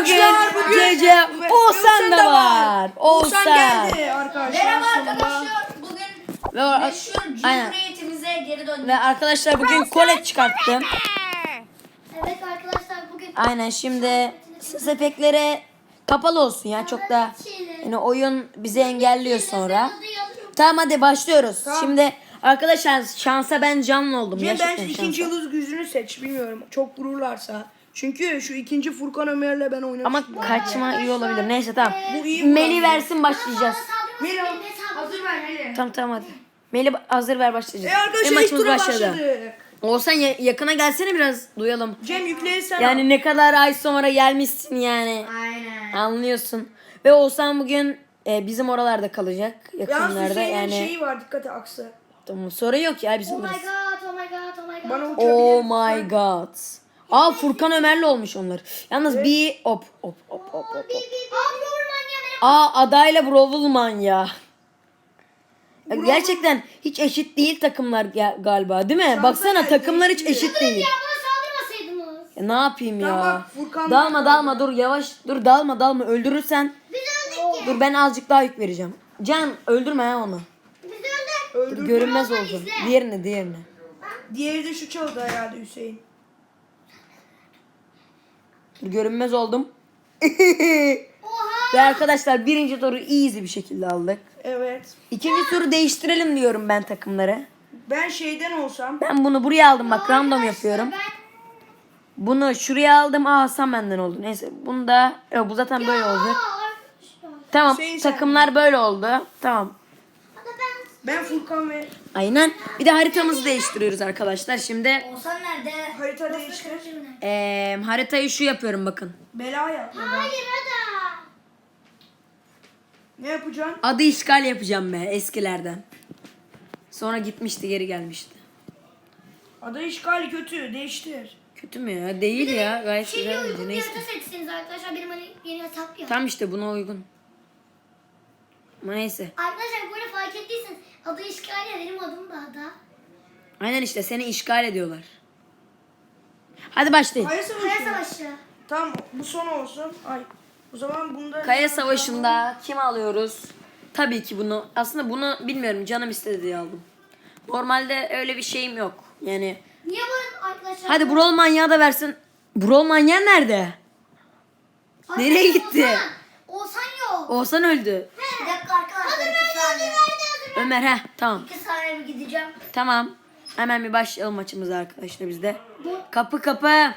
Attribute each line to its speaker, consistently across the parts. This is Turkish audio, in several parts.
Speaker 1: Arkadaşlar
Speaker 2: bugün Cece Oğuzhan da var.
Speaker 1: Oğuzhan geldi arkadaşlar.
Speaker 3: Merhaba
Speaker 1: sonunda.
Speaker 3: arkadaşlar. Bugün
Speaker 2: Ve,
Speaker 3: meşhur
Speaker 2: aynen.
Speaker 3: Cumhuriyetimize geri döndük.
Speaker 2: Ve arkadaşlar bugün kolet çıkarttım.
Speaker 4: Evet arkadaşlar bugün
Speaker 2: Aynen şimdi ses efektleri kapalı olsun ya. Çok da yani oyun bizi engelliyor sonra. Tamam hadi başlıyoruz.
Speaker 1: Tamam.
Speaker 2: Şimdi arkadaşlar şansa ben canlı oldum.
Speaker 1: Cem
Speaker 2: Gerçekten
Speaker 1: bence ikinci
Speaker 2: şansa.
Speaker 1: yıldız gücünü seç. Bilmiyorum. Çok vururlarsa. Çünkü şu ikinci Furkan Ömer'le ben oynamıştım.
Speaker 2: Ama kaçma iyi olabilir. Neyse tamam.
Speaker 1: Bu iyi
Speaker 2: Meli
Speaker 1: bu.
Speaker 2: versin başlayacağız.
Speaker 1: Melo hazır ver Meli.
Speaker 2: Tamam hadi. Meli hazır ver başlayacağız.
Speaker 1: Arkadaşlar ilk
Speaker 2: maçımız
Speaker 1: tura
Speaker 2: başladı.
Speaker 1: başladık.
Speaker 2: Olsan yakına gelsene biraz duyalım.
Speaker 1: Cem yükleyi
Speaker 2: Yani ne kadar ay sonra gelmişsin yani.
Speaker 3: Aynen.
Speaker 2: Anlıyorsun. Ve Oğuzhan bugün bizim oralarda kalacak.
Speaker 1: Yalnız
Speaker 2: Yakınlarda
Speaker 1: Hüseyin'in
Speaker 2: yani.
Speaker 1: şeyi var dikkat et aksı.
Speaker 2: Tamam, sorun yok ya bizim
Speaker 4: Oh my
Speaker 2: burası.
Speaker 4: god, oh my god, oh my god.
Speaker 1: Bana uçabilir.
Speaker 2: Oh my god. Aa Furkan Ömer'le olmuş onlar. Yalnız bir hop.
Speaker 4: Abi orman ya benim.
Speaker 2: Aa adayla Brovulman ya. Ya gerçekten hiç eşit değil takımlar galiba değil mi?
Speaker 1: Şansa
Speaker 2: Baksana
Speaker 1: geldi,
Speaker 2: takımlar hiç
Speaker 1: eşit.
Speaker 2: eşit değil.
Speaker 4: Ya bana saldırmasaydınız.
Speaker 2: Ya ne yapayım ya?
Speaker 1: Tamam bak, Furkan
Speaker 2: Dalma dur yavaş dur dalma öldürürsen.
Speaker 4: Biz öldük ya.
Speaker 2: Dur ben azıcık daha yük vereceğim. Can öldürme ya onu.
Speaker 4: Biz öldük.
Speaker 1: Öldürdü.
Speaker 2: Görünmez oldu. Diğerini.
Speaker 1: Diğeri de şu çaldı herhalde Hüseyin.
Speaker 2: Dur, görünmez oldum.
Speaker 4: Oha.
Speaker 2: Ve arkadaşlar birinci turu easy bir şekilde aldık.
Speaker 1: Evet.
Speaker 2: İkinci turu değiştirelim diyorum ben takımları.
Speaker 1: Ben şeyden olsam.
Speaker 2: Ben bunu buraya aldım bak random yapıyorum.
Speaker 4: Ben
Speaker 2: Bunu şuraya aldım. Aa Hasan benden oldu. Neyse bunu da yok, bu zaten böyle olacak.
Speaker 4: arkadaşlar.
Speaker 2: Tamam
Speaker 1: Hüseyin sen-
Speaker 2: takımlar böyle oldu. Tamam.
Speaker 4: Hadi ben.
Speaker 1: Ben Furkan ve
Speaker 2: Aynen. Bir de haritamızı değiştiriyoruz arkadaşlar. Şimdi
Speaker 3: Oğuzhan nerede?
Speaker 1: harita değiştir.
Speaker 2: haritayı şu yapıyorum bakın.
Speaker 1: Bela yap. Bela.
Speaker 4: Hayır hadi.
Speaker 1: Ne yapacaksın?
Speaker 2: Adı işgal yapacağım be eskilerden. Sonra gitmişti geri gelmişti.
Speaker 1: Adı işgali kötü. Değiştir.
Speaker 2: Kötü mü ya? Değil ya. Gayet
Speaker 4: Şimdi
Speaker 2: güzel bence.
Speaker 4: uygun bir
Speaker 2: Neyse.
Speaker 4: harita seçseniz arkadaşlar benim hani yeni hesap yok.
Speaker 2: Tam işte buna uygun. Ama neyse.
Speaker 4: Arkadaşlar bu arada fark ettiyseniz adı işgal ya benim adım da ada.
Speaker 2: Aynen işte seni işgal ediyorlar. Hadi başlayın.
Speaker 1: Kaya
Speaker 4: Kaya
Speaker 1: savaşı.
Speaker 4: savaşı.
Speaker 1: Tamam bu son olsun. Ay. O zaman bunda
Speaker 2: Kaya Savaşı'nda kim alıyoruz? Tabii ki bunu. Aslında bunu bilmiyorum. Canım istedi diye aldım. Normalde öyle bir şeyim yok. Yani
Speaker 4: Niye bu arkadaşlar?
Speaker 2: hadi Brawl Manyağı da versin. Brawl Manyağı nerede?
Speaker 4: Arkadaşlar,
Speaker 2: nereye gitti?
Speaker 4: Oğuzhan yok.
Speaker 2: Oğuzhan öldü.
Speaker 3: Bir dakika arkadaşlar 2 saniye.
Speaker 2: Ömer tamam.
Speaker 3: 2 saniye bir gideceğim.
Speaker 2: Tamam. Hemen bir başlayalım maçımıza arkadaşlar bizde. Kapı.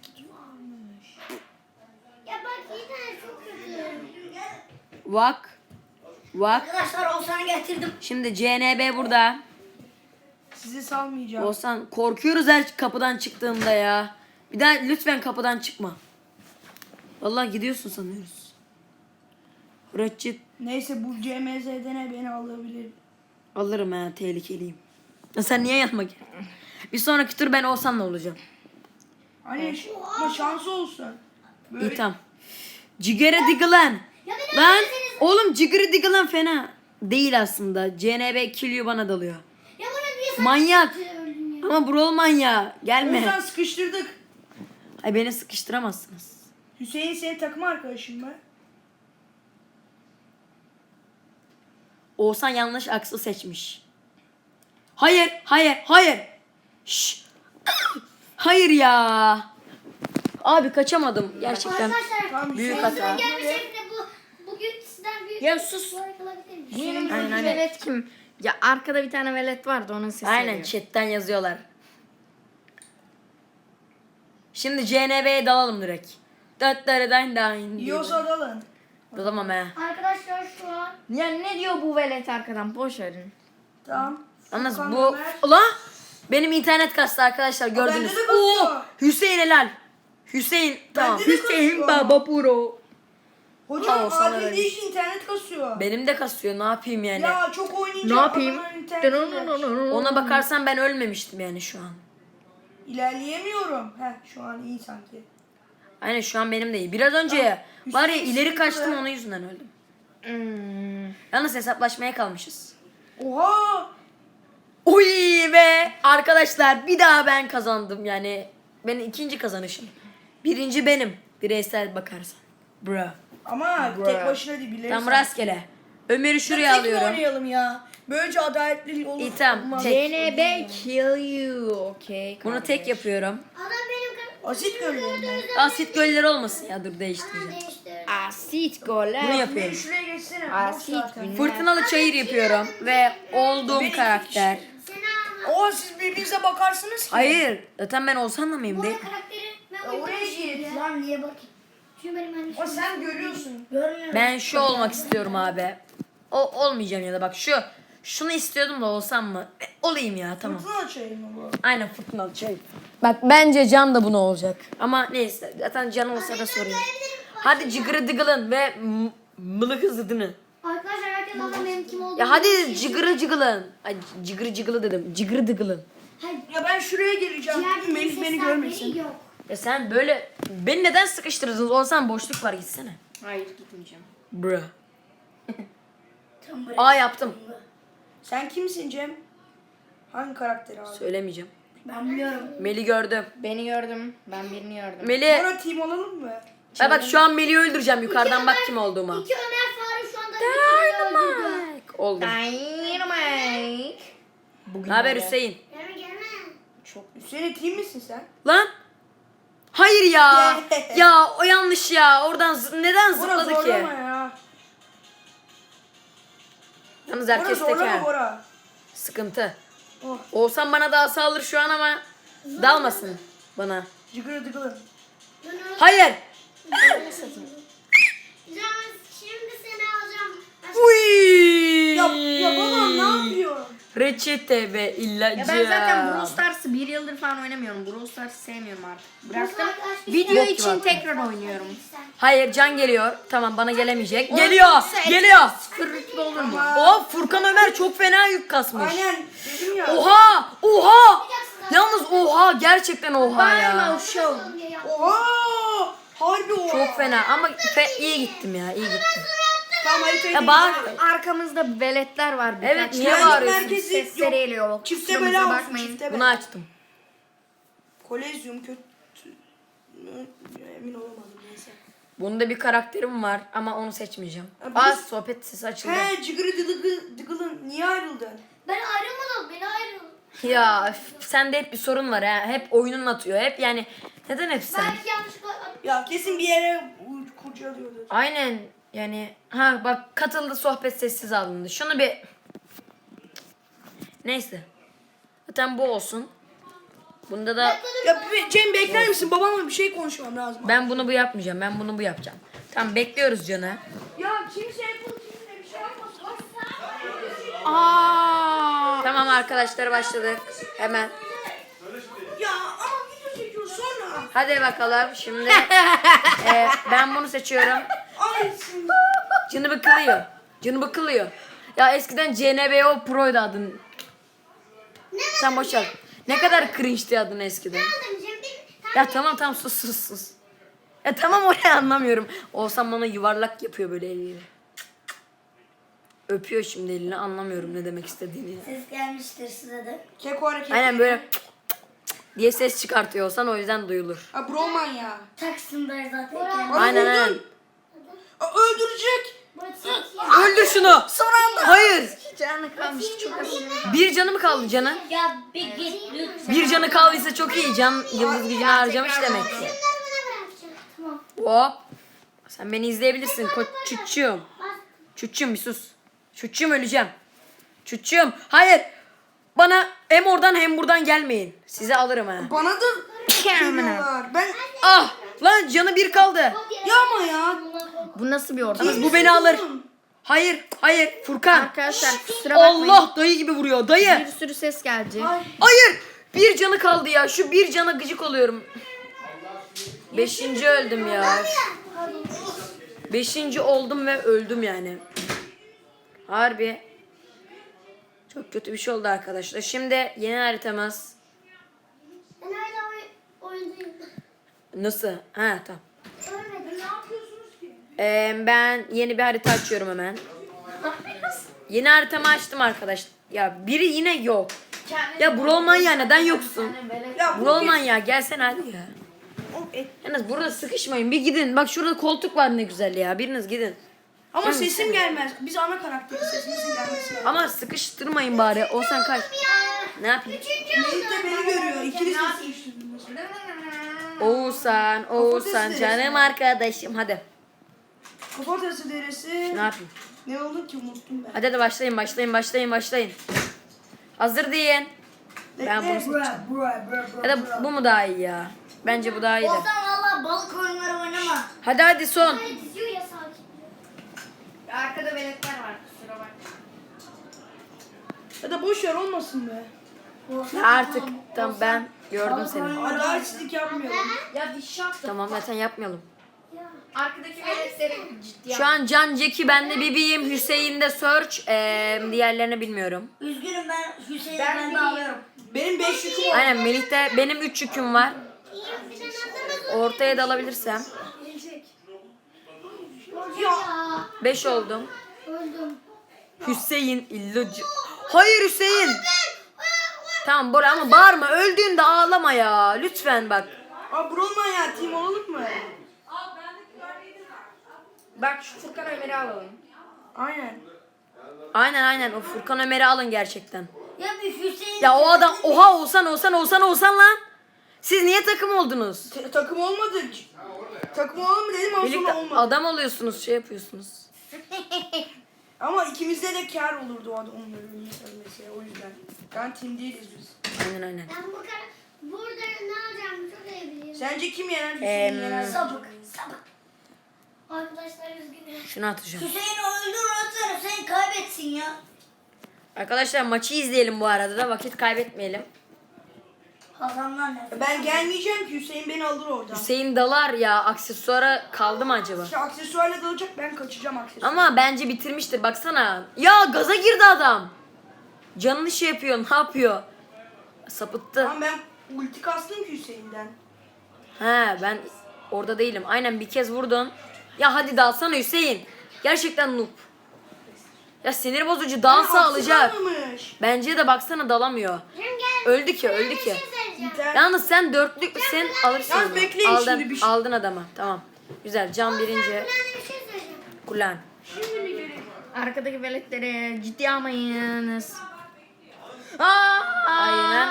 Speaker 4: Ya bak yine çok kötü.
Speaker 2: Vak.
Speaker 3: Arkadaşlar Oğuzhan'ı getirdim.
Speaker 2: Şimdi CNB burada.
Speaker 1: sizi salmayacağım.
Speaker 2: Oğuzhan korkuyoruz her kapıdan çıktığında ya. Bir daha lütfen kapıdan çıkma. Vallahi gidiyorsun sanıyoruz. Rıççı
Speaker 1: Neyse bu CMZ'den beni alabilir.
Speaker 2: alırım ha tehlikeliyim. Ya sen niye yanıma geldin? Bir sonraki tur ben Oğuzhan'la olacağım.
Speaker 1: Hani ama şansı olsun. Böyle
Speaker 2: İyi tamam. Cigara Diggle'an.
Speaker 4: Ya beni
Speaker 2: Lan
Speaker 4: öldürseniz-
Speaker 2: oğlum Cigara Diggle'an fena. Değil aslında. CNB killiyor bana dalıyor.
Speaker 4: Ya bana niye sen
Speaker 2: Manyak.
Speaker 4: öldün ya?
Speaker 2: Ama Brawl manyağı.
Speaker 1: o
Speaker 2: Gelme.
Speaker 1: yüzden sıkıştırdık.
Speaker 2: Ay beni sıkıştıramazsınız.
Speaker 1: Hüseyin senin takım arkadaşın mı?
Speaker 2: Oğuzhan yanlış aksı seçmiş. Hayır. Şşş. Hayır ya. Abi kaçamadım gerçekten.
Speaker 4: Arkadaşlar
Speaker 1: Tamam,
Speaker 2: Büyük
Speaker 1: Hüseyin
Speaker 2: hata.
Speaker 4: gelmiş şeklinde bugün sizden büyük
Speaker 2: Ya sus.
Speaker 4: bir like alabilir miyim?
Speaker 1: Hüseyin
Speaker 2: Aynen, aynen.
Speaker 5: Velet kim? Ya arkada bir tane velet vardı onun sesi
Speaker 2: Aynen
Speaker 5: geliyor.
Speaker 2: chatten yazıyorlar. Şimdi CNB'ye dalalım direkt.
Speaker 1: Yiyorsa dalın.
Speaker 2: Dalamam he.
Speaker 4: Arkadaşlar şu an
Speaker 5: Ya ne diyor bu velet arkadan? Boş verin.
Speaker 1: Tamam.
Speaker 2: Yalnız
Speaker 1: Furkan
Speaker 2: bu...
Speaker 1: Ömer.
Speaker 2: Ulan! Benim internet kastı arkadaşlar gördünüz.
Speaker 1: bende de kasıyor.
Speaker 2: Oo! Hüseyin helal. Hüseyin tamam.
Speaker 1: Bende de
Speaker 2: Hüseyin
Speaker 1: kasıyor.
Speaker 2: Baba Pro.
Speaker 1: Hocam
Speaker 2: Aa, sana
Speaker 1: adil
Speaker 2: öyle.
Speaker 1: değil internet kasıyor.
Speaker 2: Benim de kasıyor ne yapayım yani.
Speaker 1: Ya çok oynayınca
Speaker 5: Ne yapayım?
Speaker 1: adamın interneti
Speaker 2: Ona bakarsan ben ölmemiştim yani şu an.
Speaker 1: İlerleyemiyorum. Şu an iyi sanki.
Speaker 2: Aynen şu an benim de iyi. Biraz önce var ya
Speaker 1: Hüseyin
Speaker 2: ileri
Speaker 1: sıkıntı
Speaker 2: kaçtım
Speaker 1: be.
Speaker 2: onun yüzünden öldüm.
Speaker 5: Hmm.
Speaker 2: Yalnız hesaplaşmaya kalmışız.
Speaker 1: Oha!
Speaker 2: Uy ve arkadaşlar bir daha ben kazandım yani. Benim ikinci kazanışım. Birinci benim bireysel bakarsan. Bro.
Speaker 1: Ama
Speaker 2: Bro.
Speaker 1: tek başına değil biliriz.
Speaker 2: Tam rastgele. Ömer'i şuraya
Speaker 1: Tek
Speaker 2: alıyorum.
Speaker 1: oynayalım ya. Böylece adaletli olur.
Speaker 2: İyi, tamam.
Speaker 1: Olmaz.
Speaker 2: Tek.
Speaker 5: CNB kill you. Okey.
Speaker 2: Bunu tek yapıyorum.
Speaker 4: Adam benim
Speaker 1: Asit göllerinde.
Speaker 2: Asit gölleri olmasın ya, dur değiştireceğim.
Speaker 4: değiştirdi.
Speaker 5: Asit goller.
Speaker 2: Bunu
Speaker 1: Beni
Speaker 2: yapıyorum.
Speaker 1: şuraya geçsene. Boş
Speaker 5: Asit
Speaker 1: zaten.
Speaker 5: günler.
Speaker 2: Fırtınalı çayır yapıyorum ve olduğum karakter.
Speaker 4: Seni ama.
Speaker 1: Oo siz birbirinize bakarsınız ki.
Speaker 2: Hayır, zaten ben Oğuzhan'la mıyım
Speaker 4: Bu
Speaker 2: değil?
Speaker 4: arada karakteri ben
Speaker 1: Ya oraya git.
Speaker 3: Lan niye bakayım?
Speaker 4: Çünkü benim annem.
Speaker 1: Ama sen görüyorsun.
Speaker 3: Görmüyorum.
Speaker 2: Ben şu olmak istiyorum abi. O olmayacağım ya da bak şunu istiyordum da olsam mı? Olayım ya, tamam.
Speaker 1: Fırtına açayım mı bu?
Speaker 2: Aynen fırtınalı çayır. Bak bence Can da bunu olacak. Ama neyse zaten Can olsa da sorayım. Hadi cıgırı dıgılın ve mılık hızlıdını.
Speaker 4: Arkadaşlar herkes adam benim kim olduğunu
Speaker 2: Ya hadi cıgırı cıgılın. Ay cıgırı cıgılı dedim. Cıgırı dıgılın.
Speaker 4: Hayır.
Speaker 1: Ya ben şuraya geleceğim.
Speaker 4: Ciğerde
Speaker 1: Melih beni görmesin.
Speaker 4: yok.
Speaker 2: Ya sen böyle beni neden sıkıştırdınız? Olsan boşluk var, gitsene.
Speaker 5: Hayır gitmeyeceğim.
Speaker 2: Bro.
Speaker 3: Tam buraya.
Speaker 2: Aa yaptım.
Speaker 1: Sen kimsin Cem? Hangi karakteri abi?
Speaker 2: Söylemeyeceğim.
Speaker 3: Ben biliyorum.
Speaker 2: Melih gördüm.
Speaker 5: Beni gördüm. Ben birini gördüm.
Speaker 2: Melih.
Speaker 1: Bana team olalım mı?
Speaker 2: Ya bak şu an Melih'i öldüreceğim. Yukarıdan bak kim olduğuma.
Speaker 4: İki Ömer Faruk şu anda bir öldürdü.
Speaker 2: Oldum.
Speaker 5: Dynamite.
Speaker 2: Ne haber Hüseyin?
Speaker 4: Gelme gelme.
Speaker 5: Çok
Speaker 1: Hüseyin team misin sen?
Speaker 2: Lan. Hayır ya. Ya o yanlış ya. Oradan neden
Speaker 1: Bora
Speaker 2: zıpladı ki?
Speaker 1: zorlama ya.
Speaker 2: Yalnız
Speaker 1: Bora
Speaker 2: herkes
Speaker 1: zorlama
Speaker 2: teker.
Speaker 1: Bora.
Speaker 2: Sıkıntı.
Speaker 1: Oh.
Speaker 2: Olsam bana daha sağlar şu an ama dalmasın bana.
Speaker 1: Cıgırı dıgılın.
Speaker 2: Hayır.
Speaker 4: Can şimdi seni alacağım.
Speaker 2: Uy.
Speaker 1: Ya babam ne yapıyor?
Speaker 2: Reçete ve ilacı.
Speaker 5: Ya ben zaten Brawl Stars'ı 1 yıldır falan oynamıyorum. Brawl Stars'ı sevmiyorum artık. Bıraktım. Video
Speaker 2: Bok
Speaker 5: için
Speaker 2: gibi
Speaker 5: tekrar oynuyorum.
Speaker 2: Hayır, Can geliyor. Tamam, bana gelemeyecek. Geliyor. Geliyor.
Speaker 5: Kırıklı olur mu?
Speaker 2: Oh, Furkan Ömer çok fena yük kasmış.
Speaker 1: Aynen dedim ya.
Speaker 2: Oha! Oha! Yalnız oha, gerçekten oha ya.
Speaker 1: Oha! Harbi oha.
Speaker 2: Çok fena ama iyi gittim ya, iyi gittim.
Speaker 1: Tamam haritayı
Speaker 2: Ya bak,
Speaker 5: Arkamızda veletler var. birkaç
Speaker 2: Evet,
Speaker 5: tane.
Speaker 2: niye
Speaker 1: Güvenlik
Speaker 2: bağırıyorsun?
Speaker 1: merkezi
Speaker 5: Sesleri
Speaker 1: yok.
Speaker 5: geliyor.
Speaker 1: Çifte
Speaker 5: Kusurumuza
Speaker 1: bela olsun
Speaker 5: bakmayın.
Speaker 1: çifte
Speaker 2: Bunu
Speaker 1: bela.
Speaker 2: açtım.
Speaker 1: Kolezyum kötü. Emin olamadım neyse.
Speaker 2: Bunda bir karakterim var ama onu seçmeyeceğim.
Speaker 1: Ya
Speaker 2: Aa,
Speaker 1: biz-
Speaker 2: sohbet sesi açıldı.
Speaker 1: He cıgırı dıgılın niye ayrıldın?
Speaker 4: Ben ayrılmadım. Beni ayrıldım.
Speaker 2: Ya sende hep bir sorun var ha. Hep oyunun atıyor. Hep yani neden hep sen?
Speaker 4: Belki yanlışlıkla
Speaker 1: Ya kesin bir yere kurcalıyordur.
Speaker 2: Aynen yani ha bak katıldı, sohbet sessiz alındı. Şunu bir neyse. Zaten bu olsun. Bunda da
Speaker 1: Ya Cem bekler misin? Babamla bir şey konuşmam lazım.
Speaker 2: ben bunu bu yapmayacağım. Ben bunu bu yapacağım. Tamam, bekliyoruz Can'ı.
Speaker 1: Ya kimse Apple TV'de bir şey yapmasın.
Speaker 2: Tamam arkadaşlar, başladık. Hemen.
Speaker 1: Ya ama video çekiyor sonra.
Speaker 2: Hadi bakalım şimdi. Ben bunu seçiyorum.
Speaker 1: Ay
Speaker 2: Canı bıkılıyor. Canı bıkılıyor. Ya eskiden CNBO Pro'ydu adın. Sen boş ver. Ne kadar cringe'ti adın eskiden. Ya tamam sus. Ya tamam, oraya anlamıyorum. Olsam bana yuvarlak yapıyor böyle eliyle. Öpüyor şimdi elini, anlamıyorum ne demek istediğini.
Speaker 3: Ses gelmiştir size de.
Speaker 1: Keko hareket.
Speaker 2: Aynen böyle diye ses çıkartıyor olsan, o yüzden duyulur.
Speaker 1: Ha broman ya.
Speaker 3: Taksim'de zaten.
Speaker 1: Ama
Speaker 2: Aynen
Speaker 1: vurdun.
Speaker 2: aynen.
Speaker 1: Aa, öldürecek.
Speaker 2: Öldür şunu. Son anda. Hayır.
Speaker 5: Canı kalmış çok az.
Speaker 2: Bir canı mı kaldı Can'ın?
Speaker 3: Ya bir git lütfen.
Speaker 2: Bir canı kaldıysa çok iyi. Can yıldız gücünü harcamış demek ki.
Speaker 4: Tamam.
Speaker 2: Hop. Sen beni izleyebilirsin çuççum. Çuççum bir sus. Çuççum, öleceğim. Çuççum. Hayır. Bana hem oradan hem buradan gelmeyin. Size alırım ha.
Speaker 1: Bana da geliyorlar. Ben
Speaker 2: Ah. Lan canı bir kaldı.
Speaker 1: ya ama ya.
Speaker 5: Bu nasıl bir ortam?
Speaker 2: Yalnız bu beni alır. Hayır. Hayır. Furkan.
Speaker 5: Arkadaşlar kusura bakmayın.
Speaker 2: Allah, dayı gibi vuruyor. Dayı.
Speaker 5: Bir sürü ses gelecek.
Speaker 2: Hayır. Bir canı kaldı ya. Şu bir cana gıcık oluyorum. 5. öldüm ya. 5. oldum ve öldüm yani. Harbi. Çok kötü bir şey oldu arkadaşlar. Şimdi yeni haritamız.
Speaker 4: Ben hala oyundayım.
Speaker 2: Nasıl? Ha tamam.
Speaker 4: Ölmedim. Ne yapıyorsunuz ki?
Speaker 2: Ben yeni bir harita açıyorum hemen. Yeni haritamı açtım arkadaşlar. Ya biri yine yok. Ya Brolman ya, neden yoksun?
Speaker 1: Ya bu
Speaker 2: Brolman ya, gelsene hadi ya. Yalnız burada sıkışmayın. Bir gidin. Bak şurada koltuk var ne güzel ya. Biriniz gidin.
Speaker 1: Ama sesim gelmez. Biz ana karakteriz. Sesimizin gelmesi lazım.
Speaker 2: Ama sıkıştırmayın bari. Olsan kaç. Ne yapayım?
Speaker 1: Melih de beni görüyor. İkiniz de sıkıştırdınız.
Speaker 2: Oğuzhan canım arkadaşım. Hadi.
Speaker 1: Kafatası deresi.
Speaker 2: Ne yapayım?
Speaker 1: Ne oldu ki unuttum ben.
Speaker 2: Hadi başlayın. Hazır deyin. Ben bunu seçeceğim. Ya da bu mu daha iyi ya? Bence bu daha iyi de.
Speaker 3: Olsan valla balık oyunları oynama.
Speaker 2: Hadi son.
Speaker 4: Böyle diziyor ya sakin.
Speaker 5: Arkada veletler var kusura bak.
Speaker 1: Ya da boş ver olmasın be.
Speaker 2: Ya artık tamam ben gördüm seni.
Speaker 1: Adaletsizlik yapmayalım.
Speaker 5: Ya bir şart.
Speaker 2: Tamam zaten yapmayalım.
Speaker 5: Arkadaki veletleri ciddi
Speaker 2: Şu an Can Ceki, ben de Bibi'yim, Hüseyin de Search, diğerlerini bilmiyorum.
Speaker 3: Üzgünüm ben Hüseyin'i
Speaker 5: Ben
Speaker 3: ben de
Speaker 5: biliyorum.
Speaker 3: alıyorum.
Speaker 1: Benim 5 yüküm var.
Speaker 2: Aynen Melih'te benim 3 yüküm var. Ortaya da alabilirsem.
Speaker 4: Ya.
Speaker 2: 5 oldum.
Speaker 4: Öldüm.
Speaker 2: Hüseyin illucu. Hayır Hüseyin. Tamam Bora ama bağırma, öldüğünde ağlama ya. Lütfen bak.
Speaker 1: Aa Bronman ya team olalım mı?
Speaker 5: Bak şu Furkan Ömer'i alalım.
Speaker 1: Aynen.
Speaker 2: Aynen o Furkan Ömer'i alın gerçekten.
Speaker 3: Ya bir Hüseyin.
Speaker 2: Ya o adam oha Oğuzhan lan. Siz niye takım oldunuz?
Speaker 1: Takım olmadık. Takım olalım mı dedim ama
Speaker 2: Birlikte
Speaker 1: sonra olmadı.
Speaker 2: adam oluyorsunuz, şey yapıyorsunuz.
Speaker 1: Ama ikimizde de kar olurdu o adam onların mesela o yüzden. Yani team değiliz biz.
Speaker 2: Aynen.
Speaker 4: Ben bu kadar burada ne alacağımı çok iyi biliyorum.
Speaker 1: Sence kim yener? Hüseyin yener.
Speaker 3: Sabık.
Speaker 4: Arkadaşlar üzgünüm.
Speaker 2: Şunu atacağım.
Speaker 3: Hüseyin öldür atsana sen kaybetsin ya.
Speaker 2: Arkadaşlar maçı izleyelim bu arada da, vakit kaybetmeyelim.
Speaker 3: Adamlar ne?
Speaker 1: Ben gelmeyeceğim ki Hüseyin beni alır oradan.
Speaker 2: Hüseyin dalar ya, aksesuara kaldı mı acaba?
Speaker 1: İşte aksesuarla dalacak ben kaçacağım aksesuar.
Speaker 2: Ama bence bitirmiştir baksana. Ya gaza girdi adam. Canını şey yapıyor, ne yapıyor? Sapıttı.
Speaker 1: Ama ben ulti kastım ki Hüseyin'den.
Speaker 2: He ben orada değilim. Aynen bir kez vurdun. Ya hadi dalsana Hüseyin. Gerçekten noob. Ya sinir bozucu, dalsa alacak.
Speaker 1: Almamış.
Speaker 2: Bence de baksana dalamıyor.
Speaker 4: Cem gel.
Speaker 2: Öldü ki.
Speaker 4: Bir şey söyleyeceğim.
Speaker 2: Yalnız sen dörtlük sen alırsın.
Speaker 1: Yalnız
Speaker 2: onu.
Speaker 1: bekleyin
Speaker 2: Aldın,
Speaker 1: şimdi bir şey.
Speaker 2: aldın adama. Tamam. Güzel. Can birinci.
Speaker 4: Ben de bir şey söyleyeceğim.
Speaker 2: Kullan.
Speaker 5: Arkadaki veletleri ciddiye almayınız.
Speaker 2: Aynen.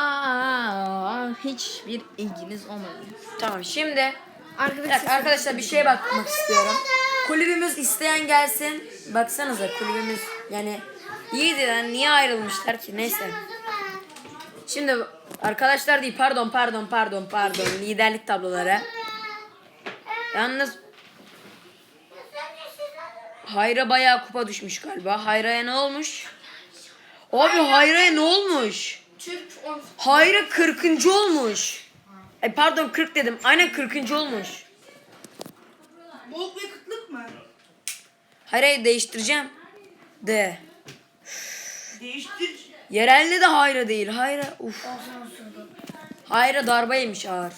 Speaker 5: Hiçbir ilginiz olmadı.
Speaker 2: Tamam şimdi
Speaker 5: Arkadaki
Speaker 2: bir dakika arkadaşlar bir şeye bakmak istiyorum. Kulübümüz isteyen gelsin. Baksanıza kulübümüz yani iyiydi lan, niye ayrılmışlar ki, neyse. Şimdi arkadaşlar değil, pardon liderlik tabloları. Yalnız Hayra bayağı kupa düşmüş galiba. Hayra'ya ne olmuş? Abi Hayra'ya ne olmuş? Hayra 40. olmuş. Pardon 40 dedim. Aynen 40. olmuş.
Speaker 1: Bolt ve kıtlık mı?
Speaker 2: Hayra'yı değiştireceğim. De.
Speaker 1: Değiştir.
Speaker 2: Yerelde de Hayra değil. Hayra Hayra darbe yemiş ağır.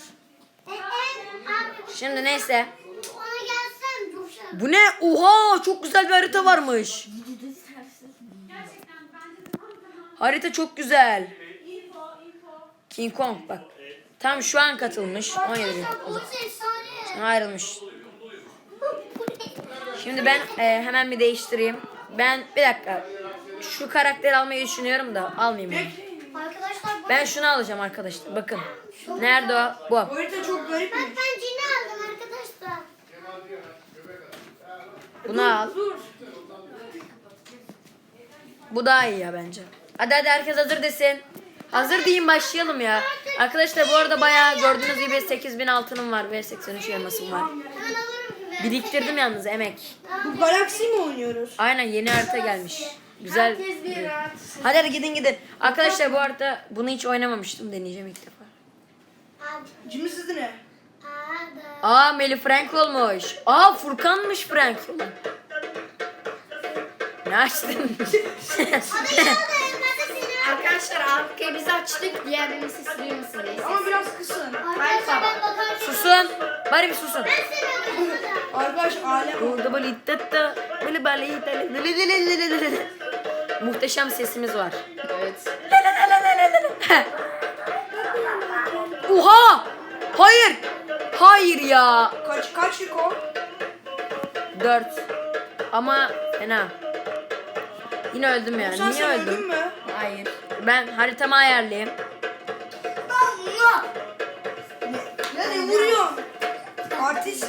Speaker 2: Şimdi neyse.
Speaker 4: Ona gelsen coşar.
Speaker 2: Bu ne? Oha çok güzel bir harita varmış. Harita çok güzel. King Kong bak. Tam şu an katılmış. 17 bin.
Speaker 4: O efsane.
Speaker 2: Ayrılmış. Şimdi ben şhemen bir değiştireyim. Ben bir dakika. Şu karakteri almayı düşünüyorum da almayayım onu.
Speaker 4: Arkadaşlar
Speaker 2: Ben şunu alacağım arkadaşlar. Bakın. Nerede o? Bu.
Speaker 1: Bu harita çok garipmiş.
Speaker 4: ben cini aldım arkadaşlar.
Speaker 2: Bunu al. Bu daha iyi ya bence. Hadi herkes hazır desin. Hazır diyeyim başlayalım ya. Arkadaşlar bu arada bayağı gördüğünüz gibi 8000 altınım var ve 83 elmasım var.
Speaker 4: Hemen alırım gibi.
Speaker 2: Biriktirdim yalnız emek.
Speaker 1: Bu galaksi mi oynuyoruz?
Speaker 2: Aynen yeni harita gelmiş. Güzel. Hadi gidin. Arkadaşlar bu arada bunu hiç oynamamıştım. Deneyeceğim ilk defa.
Speaker 1: Cimi sizde ne?
Speaker 2: Aa Melih Frank olmuş. Aa Furkan'mış Frank. Ne açtın?
Speaker 5: Arkadaşlar arkayı biz açtık. Diğerlerini siz duymasın diye.
Speaker 1: Ama biraz kısın.
Speaker 4: Arkadaşlar ben bakarım.
Speaker 2: Susun. Bari bir susun.
Speaker 1: Arkadaş alem.
Speaker 2: Burada böyle ittatta böyle böyle muhteşem sesimiz var.
Speaker 5: Evet.
Speaker 2: Oha! Hayır! Hayır ya.
Speaker 1: Kaç Riko?
Speaker 2: 4. Ama fena. Yine öldüm ya.
Speaker 1: Sen
Speaker 2: Niye öldüm?
Speaker 1: öldün mü?
Speaker 5: Hayır.
Speaker 2: Ben haritamı ayarlayayım.
Speaker 1: Ya ne vuruyorsun? Artist.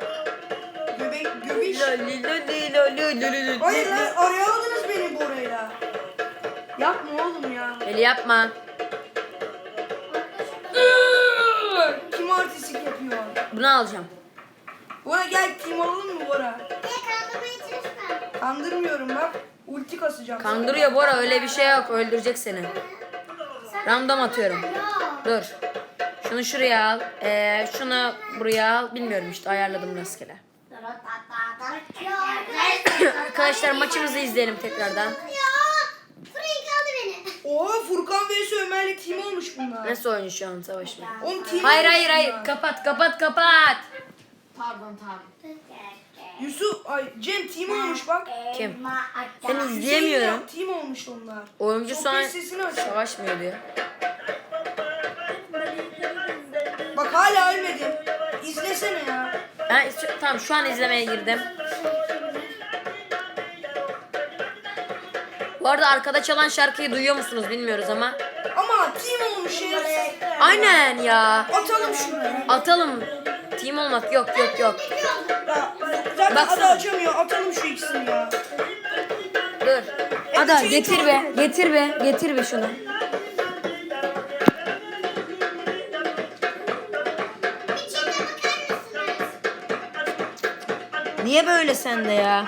Speaker 1: Göbeş. Hayır lan araya aldınız beni Bora'yla. Yapma oğlum ya.
Speaker 2: Eli yapma.
Speaker 1: Kim artistlik yapıyor?
Speaker 2: Bunu alacağım.
Speaker 1: Bora gel team alalım mı Bora?
Speaker 4: Kandırmaya çalışma.
Speaker 1: Kandırmıyorum bak. Ulti kasacağım.
Speaker 2: Kandırıyor Bora, öyle bir şey yok. Öldürecek seni. Random atıyorum. Dur. Şunu şuraya al. Şunu buraya al. Bilmiyorum işte, ayarladım rastgele. Arkadaşlar maçımızı izleyelim tekrardan.
Speaker 4: Ya. Frank aldı beni.
Speaker 1: Oha Furkan vs Ömer'le team olmuş bunlar.
Speaker 2: Nasıl oynuyor şu an savaş mı?
Speaker 1: Oğlum team
Speaker 2: Hayır
Speaker 1: olmuş
Speaker 2: hayır hayır.
Speaker 1: bunlar.
Speaker 2: Kapat.
Speaker 5: Pardon.
Speaker 1: Yusuf, Cem team olmuş bak.
Speaker 2: Kim? Seni izleyemiyorum.
Speaker 1: Team olmuş onlar.
Speaker 2: Oyuncu
Speaker 1: Çok
Speaker 2: şu an
Speaker 1: iyi sesini aç.
Speaker 2: savaşmıyor diyor.
Speaker 1: Bak hala ölmedim. İzlesene ya.
Speaker 2: Tamam, şu an izlemeye girdim. Bu arada arkada çalan şarkıyı duyuyor musunuz bilmiyoruz ama.
Speaker 1: Ama team olmuş ya.
Speaker 2: Aynen ya.
Speaker 1: Atalım şunu.
Speaker 2: Atalım. Team olmak yok.
Speaker 1: Ya, zaten
Speaker 2: Baksana.
Speaker 1: adı açamıyor. Atalım şu ikisini ya.
Speaker 2: Dur. Ada getir be. Getir be şunu.
Speaker 4: İçinde bakar mısınız?
Speaker 2: Niye böyle sende ya?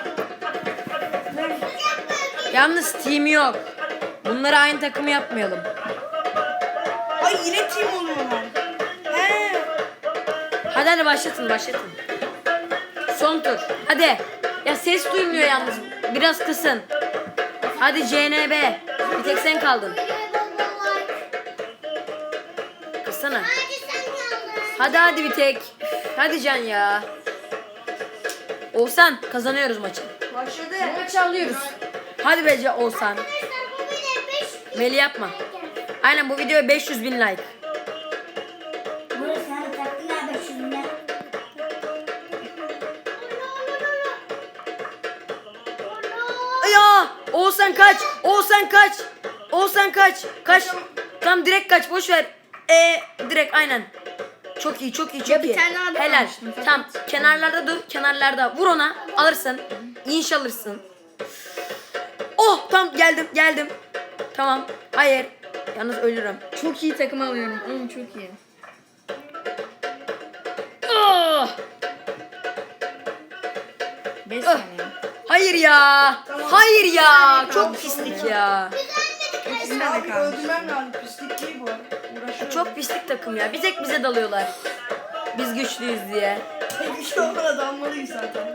Speaker 2: Yalnız team yok. Bunları aynı takımı yapmayalım.
Speaker 1: Ay yine team oluyorlar. He.
Speaker 2: Hadi başlatın. Son tur. Hadi. Ya ses duymuyor yalnız. Biraz kısın. Hadi CNB. Bir tek sen kaldın.
Speaker 4: Videoya bol bol like.
Speaker 2: Kıssana.
Speaker 4: Hadi sen kaldın.
Speaker 2: Hadi bir tek. Hadi Can ya. Oğuzhan kazanıyoruz maçı.
Speaker 1: Başladı.
Speaker 2: Maçı alıyoruz. Hadi be Oğuzhan.
Speaker 4: Arkadaşlar bu video 5
Speaker 2: Meli yapma. Aynen, bu videoya 500.000 like.
Speaker 3: Burası sen taktın ya 500 bin.
Speaker 2: Ya Oğuzhan kaç. Kaç. Tam direkt kaç, boş ver. Direkt aynen. Çok iyi.
Speaker 5: Ya bir tane daha
Speaker 2: Helal.
Speaker 5: kalmıştı.
Speaker 2: Tam kenarlarda dur. Kenarlarda vur ona. Alırsın. İnş alırsın. Oh tam geldim. Tamam. Hayır. Yalnız ölürüm.
Speaker 5: Çok iyi takım alıyorum. Oğlum çok iyi.
Speaker 2: Oh!
Speaker 5: 5 saniye.
Speaker 2: Hayır ya. Çok pislik ya.
Speaker 5: İkisinde de
Speaker 1: Abi
Speaker 5: kalmış.
Speaker 1: öldürmem lazım. Pislik değil bu. Uğraşıyorum.
Speaker 2: Çok pislik takım ya. Bir tek bize dalıyorlar. Biz güçlüyüz diye.
Speaker 1: Bir şey olmadan dalmalıyız zaten.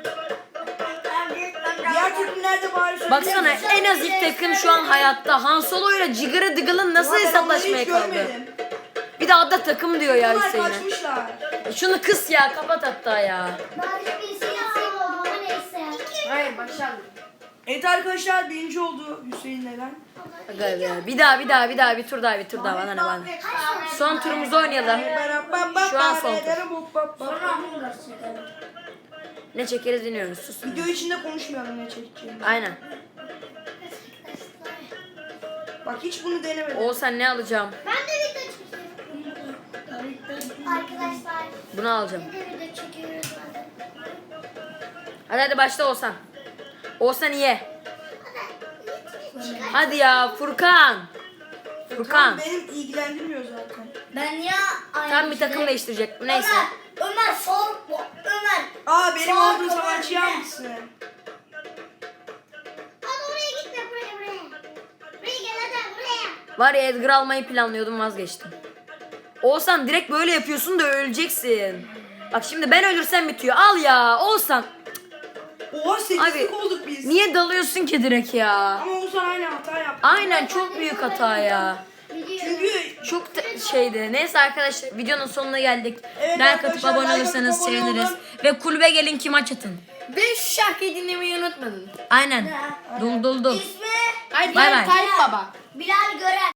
Speaker 1: Diğer takımlarda bari söyleyeyim.
Speaker 2: Baksana, en az ilk takım şu an hayatta. Han Solo ile Jigara Diggle'ın nasıl
Speaker 1: Ulan ben
Speaker 2: hesaplaşmaya
Speaker 1: onları hiç
Speaker 2: kaldı?
Speaker 1: görmedim.
Speaker 2: Bir de adda takım diyor ya
Speaker 1: Bunlar
Speaker 2: Hüseyin'e.
Speaker 1: kaçmışlar.
Speaker 2: Şunu kıs ya, kapat hatta ya.
Speaker 4: Bari bir şey yapsaydım ama neyse.
Speaker 5: Hayır başardım.
Speaker 1: Evet arkadaşlar birinci oldu Hüseyin neden?
Speaker 2: Aga be. Bir tur daha bana ne. Son turumuzu oynayalım. Şu an son tur. Ne çekeriz bilmiyoruz. Susun.
Speaker 1: Video içinde konuşmayalım ne çekeceğimizi.
Speaker 2: Aynen.
Speaker 1: Bak hiç bunu denemedim.
Speaker 2: Oğuzhan ne alacağım?
Speaker 4: Ben de video çekiyorum. Arkadaşlar
Speaker 2: Bunu alacağım.
Speaker 4: bir de video çekiyoruz.
Speaker 2: Hadi başla Oğuzhan. Oğuzhan ye. Hadi ya Furkan. Furkan.
Speaker 1: Benim ilgilendirmiyor zaten.
Speaker 3: Ben ya
Speaker 2: Tam bir takım değiştirecek. Neyse.
Speaker 3: Ömer sor. Ömer.
Speaker 1: Aa benim
Speaker 3: Sağ
Speaker 1: olduğum
Speaker 3: kapat
Speaker 1: savaşçıyı
Speaker 3: be.
Speaker 1: almışsın.
Speaker 4: Hadi oraya gitme buraya. Buraya gel hadi buraya.
Speaker 2: Var ya, Edgar almayı planlıyordum, vazgeçtim. Oğuzhan direkt böyle yapıyorsun da öleceksin. Bak şimdi ben ölürsem bitiyor. Al ya Oğuzhan.
Speaker 1: Oha 8'lik
Speaker 2: Abi,
Speaker 1: olduk biz.
Speaker 2: Niye dalıyorsun ki direkt ya?
Speaker 1: Ama Oğuzhan aynı hata yaptı.
Speaker 2: Aynen, çok büyük hata ya.
Speaker 1: Çünkü
Speaker 2: Çok şeydi. Neyse arkadaşlar, videonun sonuna geldik.
Speaker 1: Evet
Speaker 2: Like atıp
Speaker 1: arkadaşlar,
Speaker 2: abone
Speaker 1: like atıp
Speaker 2: olursanız
Speaker 1: abone
Speaker 2: seviniriz.
Speaker 1: olun.
Speaker 2: Ve kulübe gelin ki maç atın.
Speaker 5: Ve şu şarkıyı dinlemeyi unutmadın.
Speaker 2: Aynen. Dul.
Speaker 3: İsmi
Speaker 5: Hadi
Speaker 2: Bay bay.
Speaker 5: Tayyip Baba.
Speaker 3: Bilal Gören.